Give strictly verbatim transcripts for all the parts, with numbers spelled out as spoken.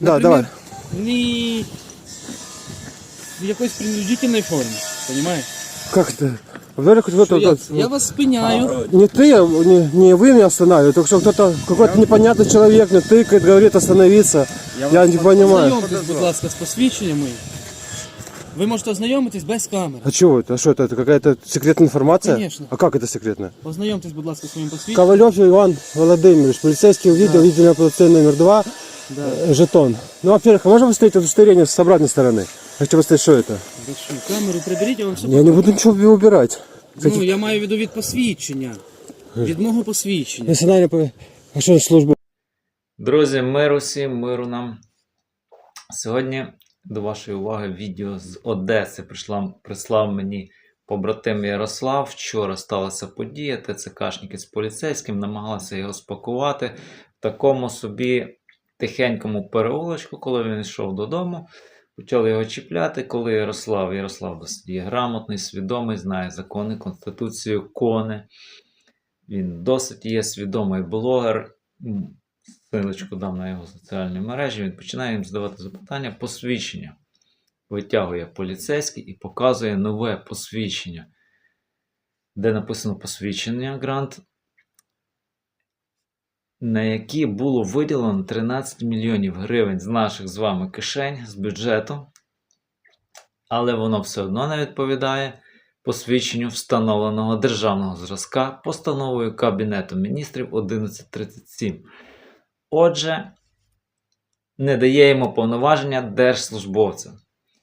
Да, давай. Не в якоїсь принудительной формі, понимаешь? Как это? Вдруг кто-то... Я, я вас спиняю. Не ты, не, не вы меня останавливаете, только что кто-то, какой-то непонятный человек мне тыкает, говорит остановиться. Я, не понимаю. Ознайомтесь, будь ласка, з посвідченням моїм. Ви можете ознайомитись без камери. А чего это? А что это? Это какая-то секретная информация? Конечно. А как это секретная? Ознайомтесь, будь ласка, своїм посвідченням. Ковалев Иван Владимирович, полицейский увидел, да. Видели полицейский номер два, Да. э, жетон. Ну, во-первых, а можно выставить удостоверение с обратной стороны? Я хочу поставить, что это? Хорошо. Камеру приберіть, я вам все Я не буду ничего убирать. Ну, я маю в виду від посвідчення. Від мого посвідчення. Национальная по- а что служба? Друзі, миру всім, миру нам. Сьогодні до вашої уваги відео з Одеси прийшла, прислав мені побратим Ярослав. Вчора сталася подія, ТЦКшники з поліцейським намагалися його спакувати в такому собі тихенькому переулочку, коли він йшов додому. Почали його чіпляти, коли Ярослав, Ярослав досить є грамотний, свідомий, знає закони, конституцію, кони. Він досить є свідомий блогер. Ссылочку дам на його соціальні мережі. Він починає їм задавати запитання. Посвідчення. Витягує поліцейський і показує нове посвідчення. Де написано посвідчення грант, на які було виділено тринадцять мільйонів гривень з наших з вами кишень, з бюджету. Але воно все одно не відповідає посвідченню встановленого державного зразка постановою Кабінету Міністрів одинадцять тридцять сім. Отже, не дає йому повноваження держслужбовця.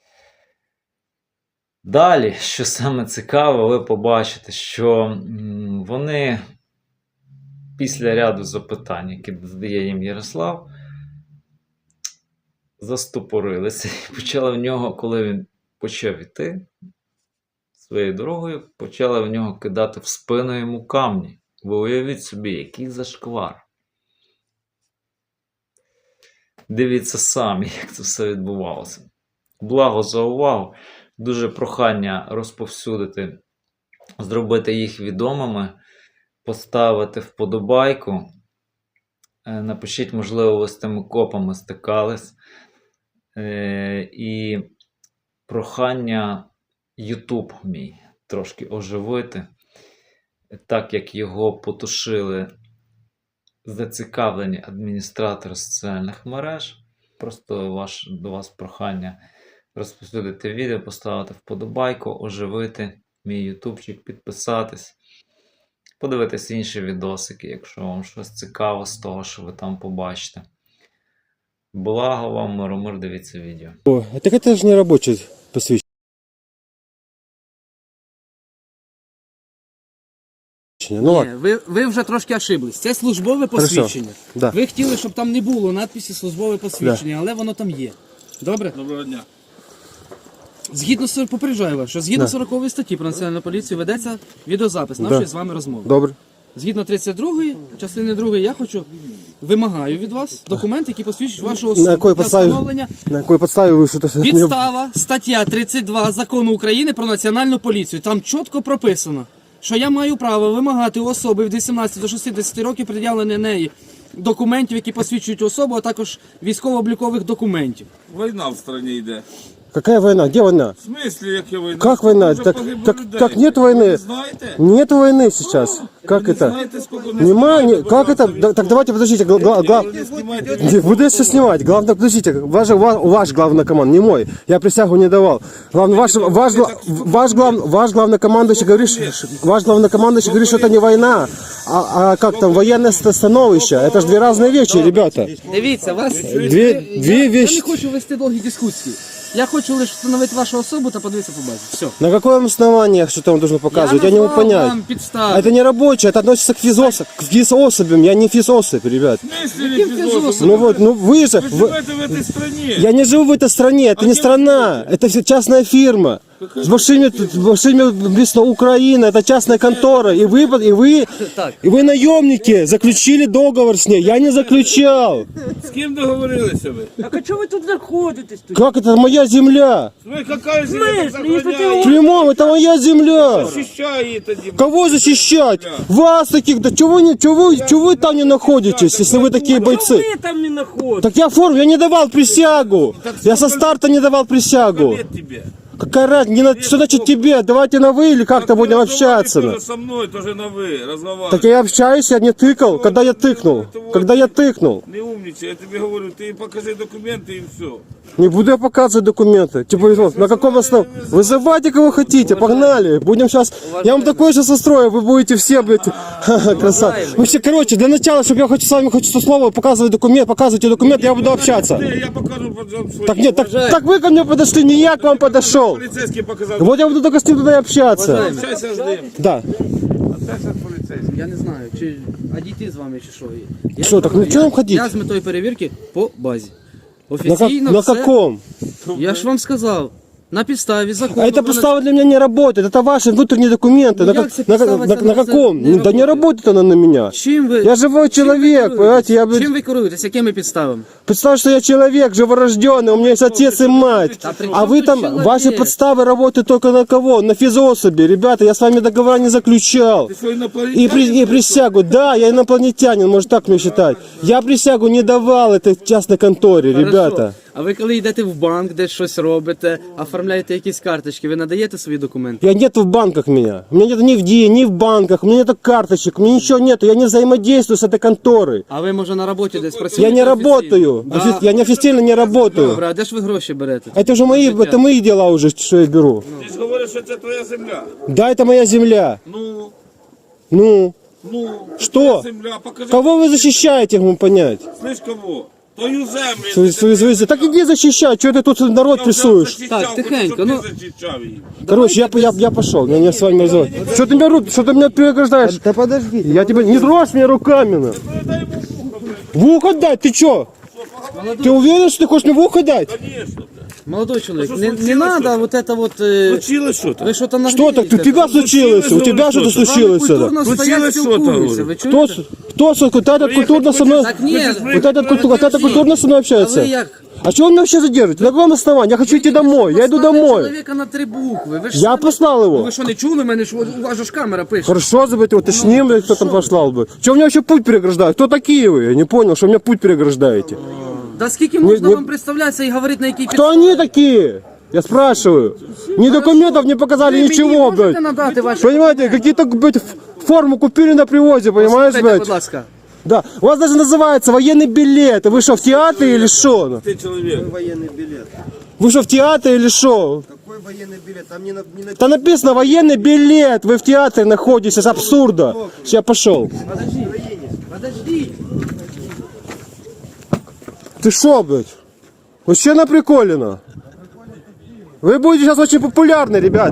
Далі, що саме цікаво, ви побачите, що вони після ряду запитань, які задає їм Ярослав, застопорилися і почали в нього, коли він почав іти своєю дорогою, почали в нього кидати в спину йому камні. Ви уявіть собі, який зашквар. Дивіться самі, як це все відбувалося. Благо за увагу. Дуже прохання розповсюдити, зробити їх відомими, поставити вподобайку. Напишіть, можливо, ви з тими копами стикались. І прохання YouTube мій трошки оживити, так як його потушили зацікавлені адміністратори соціальних мереж. Просто ваш, до вас прохання розповсюдити відео, поставити вподобайку, оживити мій ютубчик, підписатись, подивитись інші відосики, якщо вам щось цікаво з того, що ви там побачите. Благо вам, миромир, дивіться відео. О, так это же не рабочее посвящение. Ну, Ні, ладно. ви, ви вже трошки ошиблись. Це службове посвідчення. Да. Ви хотіли, щоб там не було надписі службове посвідчення, але воно там є. Добре? Доброго дня. Згідно з попереджаю вас, що згідно Да. сорокової статті про національну поліцію ведеться відеозапис нашої з вами розмови. Добре. Згідно тридцять другої, частини другої, я хочу, вимагаю від вас документи, які посвідчують вашу особу. На якої для підставі? встановлення. На якій підставі ви що-то... Підстава, стаття тридцять два Закону України про національну поліцію. Там чітко прописано, що я маю право вимагати у особи від вісімнадцяти до шістдесяти років пред'явлення неї документів, які посвідчують особу, а також військово-облікових документів. Війна в стране йде. Какая война? Где война? В смысле, яка війна? Как война? Вже Так, погибло так, людей. так нет Ви войны. не знаєте? Нет войны сейчас. Как Ви не это? знаєте, скільки не Нема, знімайте, не, будь как ласка, это? Да, так давайте, подождите, гла, гла, гла- Не знімайте. Не, буду я все снимать. Главное, подождите, ваш, ваш, ваш главнокоманд, не мой. Я присягу не давал. Главное, ваш, ваш, гла- ваш, глав, ваш главнокомандующий говорит, ш- ваш главнокомандующий говорит, что это не война, а, а как там, военное становище. Это же две разные вещи, ребята. Дивіться, вас... Две, две Я, я вещи. не хочу вести довгі дискусії. Я хочу лише встановити вашу особу та подивитися по базі. Все. На каком основании что-то он должен показывать? Я, не могу назвав понять. вам підстави. А это не рабочее, это относится к физособ, к физособям. Я не физособь, ребят. В смысле, не Яким фізособи? фізособом? Ну вот, ну вы же... Ви вы- живете в этой стране. Я не живу в этой стране, это А не где страна, это все частная фирма. С вашими, с вашими написано Украина, это частная контора, и вы, и вы, Так. и вы наемники, заключили договор с ней, я не заключал. З ким договорилися ви? Так а чого ви тут знаходитесь? Тут? Как это моя земля? Ви яка земля смислі? так Якщо ти охороняє? Прямом, это моя земля. Захищай її тоді. Кого защищать? Вас таких, да чего, не, чего, чего вы там не находитесь, если вы такие Чого бойцы? ви там не знаходитесь? Так я форму, я не давал присягу. Я со старта не давал присягу. Лет тебе. Какая разница? Не на- Что значит тебе? Давайте на вы или как-то будем общаться. Тоже со мной, тоже на вы, разговаривай. Так я общаюсь, я не тыкал. Когда я тыкнул? Когда я тыкнул? Не умничай, я тебе говорю, ты покажи документы и все. Не буду я показывать документы. Типа, вот, на каком основании? Вызывайте кого хотите, погнали. Будем сейчас... Я вам такое сейчас устрою, вы будете все, блядь, ха-ха, красавцы. Мы все, короче, для начала, чтобы я хочу с вами хочу слово показывать документ, показывайте документ, я буду общаться. Ты, я покажу потом свой. Так нет, так, так вы ко мне подошли, не я к вам подошел. Полицейский показал. Вот я буду только с ним туда и общаться. Общайся с ним. Да. Общайся с полицейским. Я не знаю, чи а дійти з вами, чи що. Я Що, не так знаю, ну чого я- нам ходити? Я з метою перевірки по базі. На, как, Офіційно на все. каком? Я ж вам сказав. На підставі закону. А это про подстава для меня не работает. Это ваши внутренние документы. Ну, на, як как- це на, подстава, на- це на не- каком? не Ну, да не работает? работает она на меня. Чим ви? Я живой чим ви человек, керуєтесь? понимаете, я, блядь, Чим ви керуєтесь? Якими підставами? представь, что я человек живорожденный, у меня есть отец и мать. Да при А чем вы тут там, человек? ваши подставы работают только на кого? На физособи. Ребята, я с вами договора не заключал. Ты что, инопланетянин? И, при- и присягу, да, я инопланетянин, может так мне считать. Я присягу не давал этой частной конторе, ребята. Хорошо. А ви коли йдете в банк, десь щось робите, оформляєте якісь карточки, ви надаєте свої документи? Я нет в банках меня. У меня нет ни в ДИ, ни в банках, у меня нет карточек, у меня ничего нету. Я не взаимодействую с этой конторой. А ви, може, на роботі десь працюєте? Я не офіційно? работаю. Офи- Я не официально не работаю. Добре, а де ж ви гроші берете? Это уже мои, это мои дела уже, что я беру. Ты же говоришь, что это твоя земля. Да, это моя земля. Ну, Ну, ну. Что? твоя земля, покажи. кого вы защищаете, я могу понять? Слышь, кого? Твою землю. Свою- свою- свою- Так иди защищай, что ты тут народ прессуешь? Так, тихенько, ну. Короче, я, я, я пошел, я не с вами разговаривать. Что ты меня, ру- что ты меня преграждаешь? Да подожди. Я тебя, не трожь меня руками. на. В ухо дать, ты чё? Ты уверен, что ты хочешь мне в ухо дать? Конечно. Молодой чоловік, що не, не случилось надо вот это вот... е, Случилось что-то? Ви що там Что так? У тебя случилось? У тебя что-то случилось? это? Культурно стоять, Случилось що-то, спілкуються, говорю. ви Кто, чуєте? с- кто, с- вот этот культурно со мной, Так ні, вот этот, культу- вот этот культурно со мной а общается? ви як? А чего он меня вообще задерживает? На каком основании? Я хочу идти домой, я иду Поставили домой. чоловіка на три букви. Ви ж Я самі- послал Ну, его. ви що, не чули мене, що у вас же ж камера пише? Хорошо, забыть, уточним, блядь, кто там послал бы. Чего мне вообще путь переграждают? Кто такие вы? Я не понял, что мне путь переграждаете. Да скільки можна не- вам представлятися і говорити на якій Кто они такие? Я спрашиваю. Ни документов не показали, Ви мені ничего, можете блядь. надати ваші... Понимаете, какие-то, блядь, ф- форму купили на привозе, понимаешь, Слухайте, будь блядь? ласка. Да. У вас даже называется военный билет. Вы что, в театре или что? Ты человек. Военный билет. Вы что, в театре или что? Какой военный билет? Там не, на, не написано. Там написано военный билет. Вы в театре находитесь. Это абсурда. Сейчас пошел. Подожди, подожди. Ты шо, блядь? Вообще наприколено. Вы будете сейчас очень популярны, ребят.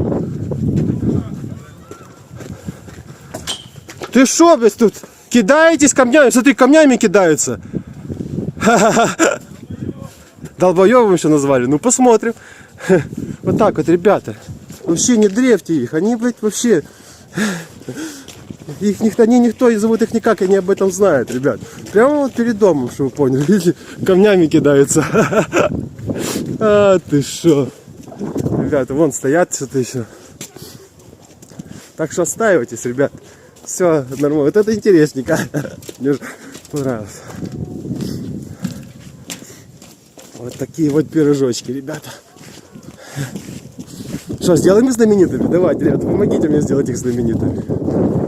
Ты шо, блядь, тут кидаетесь камнями? Смотри, камнями кидаются. Ха-ха-ха. Долбоёбом еще назвали. Ну, посмотрим. Вот так вот, ребята. Вообще не древьте их. Они, блядь, вообще... Их никто, они никто, и зовут их никак, они об этом знают, ребят. Прямо вот перед домом, чтобы вы поняли. Видите, камнями кидаются. А, ты шо. Ребята, вон стоят что-то еще. Так что отстаивайтесь, ребят. Все нормально. Вот это интересненько. Мне уже понравилось. Вот такие вот пирожочки, ребята. Что, сделаем их знаменитыми? Давайте, ребята, помогите мне сделать их знаменитыми.